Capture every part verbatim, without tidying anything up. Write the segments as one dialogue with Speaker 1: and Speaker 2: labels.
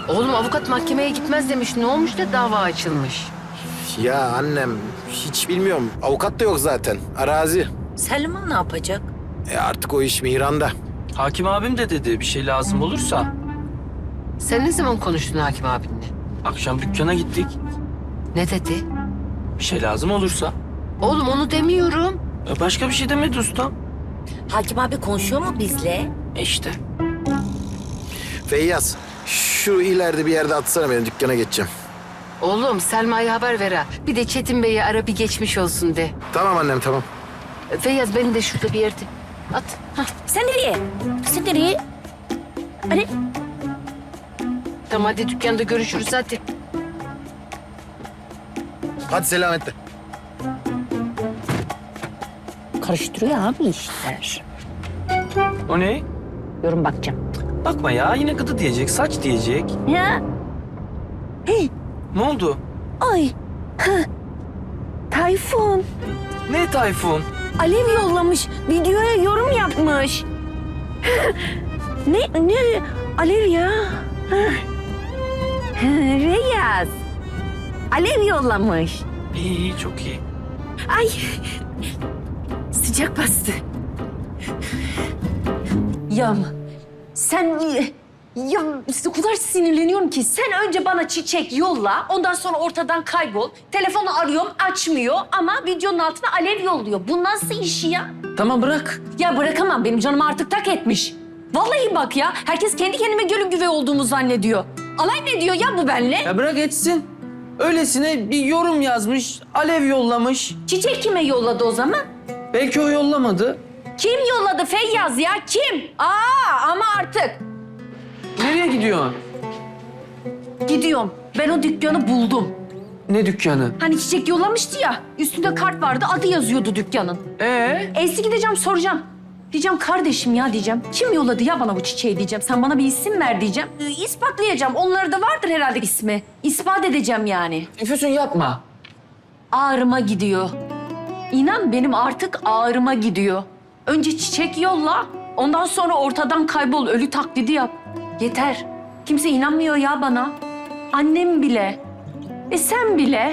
Speaker 1: Oğlum avukat mahkemeye gitmez demiş. Ne olmuş da dava açılmış?
Speaker 2: Ya annem hiç bilmiyorum. Avukat da yok zaten. Arazi.
Speaker 3: Selma ne yapacak?
Speaker 2: E artık o iş Mihran'da.
Speaker 4: Hakim abim de dedi bir şey lazım olursa.
Speaker 1: Sen ne zaman konuştun hakim abinle?
Speaker 4: Akşam dükkana gittik.
Speaker 1: Ne dedi?
Speaker 4: Bir şey lazım olursa.
Speaker 1: Oğlum onu demiyorum.
Speaker 4: E başka bir şey demedi ustam.
Speaker 3: Hakim abi konuşuyor mu bizle?
Speaker 4: E işte.
Speaker 2: Feyyaz, şu ileride bir yerde atsana beni, dükkana geçeceğim.
Speaker 1: Oğlum Selma'ya haber ver ha. Bir de Çetin Bey'e ara bir geçmiş olsun de.
Speaker 2: Tamam annem, tamam.
Speaker 1: Feyyaz beni de şurada bir yerde at. Hah.
Speaker 3: Sen nereye? Sen nereye? Hani
Speaker 1: Tamam hadi dükkanda görüşürüz hadi.
Speaker 2: Hadi selametle.
Speaker 3: karıştırıyor abi işler.
Speaker 4: O ne?
Speaker 3: Yorum bakacağım.
Speaker 4: Bakma ya yine gıdı diyecek, saç diyecek.
Speaker 3: Ya. Hey,
Speaker 4: Ne oldu?
Speaker 3: ay. Ha. Tayfun.
Speaker 4: Ne Tayfun?
Speaker 3: Alev yollamış. Videoya yorum yapmış. ne ne Alev ya? Reyaz. Alev yollamış.
Speaker 4: İyi iyi çok iyi.
Speaker 3: Ay. Sıcak bastı. Ya sen ya o kadar sinirleniyorum ki sen önce bana çiçek yolla, ondan sonra ortadan kaybol. Telefonu arıyorum açmıyor ama videonun altına alev yolluyor. Bu nasıl iş ya?
Speaker 4: Tamam bırak.
Speaker 3: Ya bırakamam, benim canımı artık tak etmiş. Vallahi bak ya, herkes kendi kendime gölün güve olduğumu zannediyor. Alay ne diyor ya bu benle?
Speaker 4: Ya bırak etsin. Öylesine bir yorum yazmış, alev yollamış.
Speaker 3: Çiçek kime yolladı o zaman?
Speaker 4: Belki o yollamadı.
Speaker 3: Kim yolladı Feyyaz ya, kim? Aa ama artık.
Speaker 4: Nereye gidiyorsun?
Speaker 3: Gidiyorum. Ben o dükkanı buldum.
Speaker 4: Ne dükkanı?
Speaker 3: Hani çiçek yollamıştı ya, üstünde kart vardı, adı yazıyordu dükkanın.
Speaker 4: Ee?
Speaker 3: Elsi gideceğim soracağım. Diyeceğim kardeşim ya diyeceğim. Kim yolladı ya bana bu çiçeği diyeceğim. Sen bana bir isim ver diyeceğim. Ee, İspatlayacağım. Onlarda da vardır herhalde ismi. İspat edeceğim yani.
Speaker 4: Füsun yapma.
Speaker 3: Ağrıma gidiyor. İnan benim artık ağrıma gidiyor. Önce çiçek yolla. Ondan sonra ortadan kaybol. Ölü taklidi yap. Yeter. Kimse inanmıyor ya bana. Annem bile. E sen bile.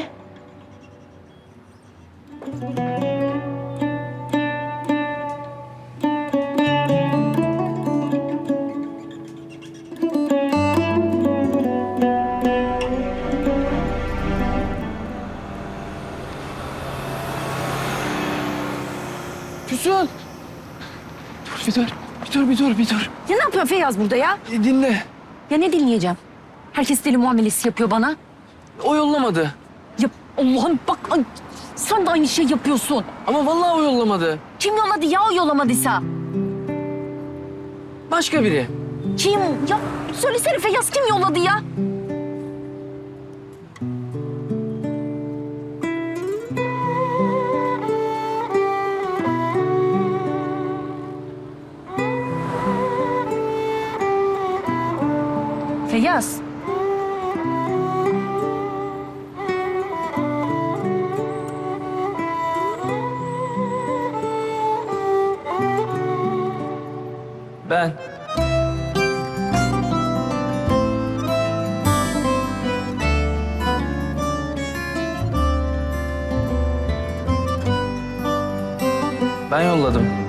Speaker 4: Füsun. Dur bir dur. Bir dur bir dur bir dur.
Speaker 3: Ya ne yapıyor Feyyaz burada ya?
Speaker 4: E, dinle.
Speaker 3: Ya ne dinleyeceğim? Herkes deli muamelesi yapıyor bana.
Speaker 4: O yollamadı.
Speaker 3: Ya Allah'ım bak ay, sen de aynı şey yapıyorsun.
Speaker 4: Ama vallahi o yollamadı.
Speaker 3: Kim yolladı ya o yollamadıysa?
Speaker 4: Başka biri.
Speaker 3: Kim? Ya söylesene Feyyaz, kim yolladı ya? Feyyaz.
Speaker 4: Ben. Ben yolladım.